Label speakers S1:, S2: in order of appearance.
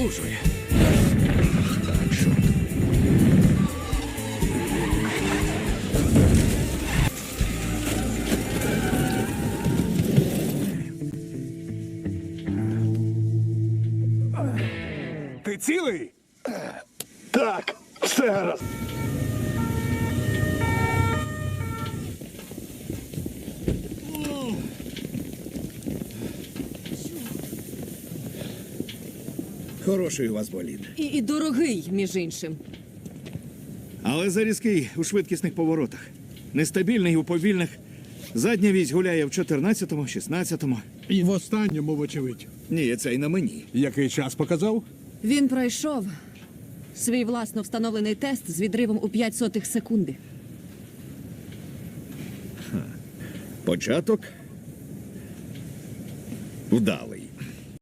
S1: напружує. Так, що?
S2: Ти цілий?
S3: Так, все гаразд.
S1: Хороший у вас болід.
S4: І дорогий, між іншим.
S1: Але зарізкий у швидкісних поворотах. Нестабільний у повільних. Задня вісь гуляє в 14-му, 16-му.
S2: І в останньому, вочевидь.
S1: Ні, це й на мені.
S2: Який час показав?
S4: Він пройшов свій власно встановлений тест з відривом у 0,05 секунди.
S1: Початок вдалий.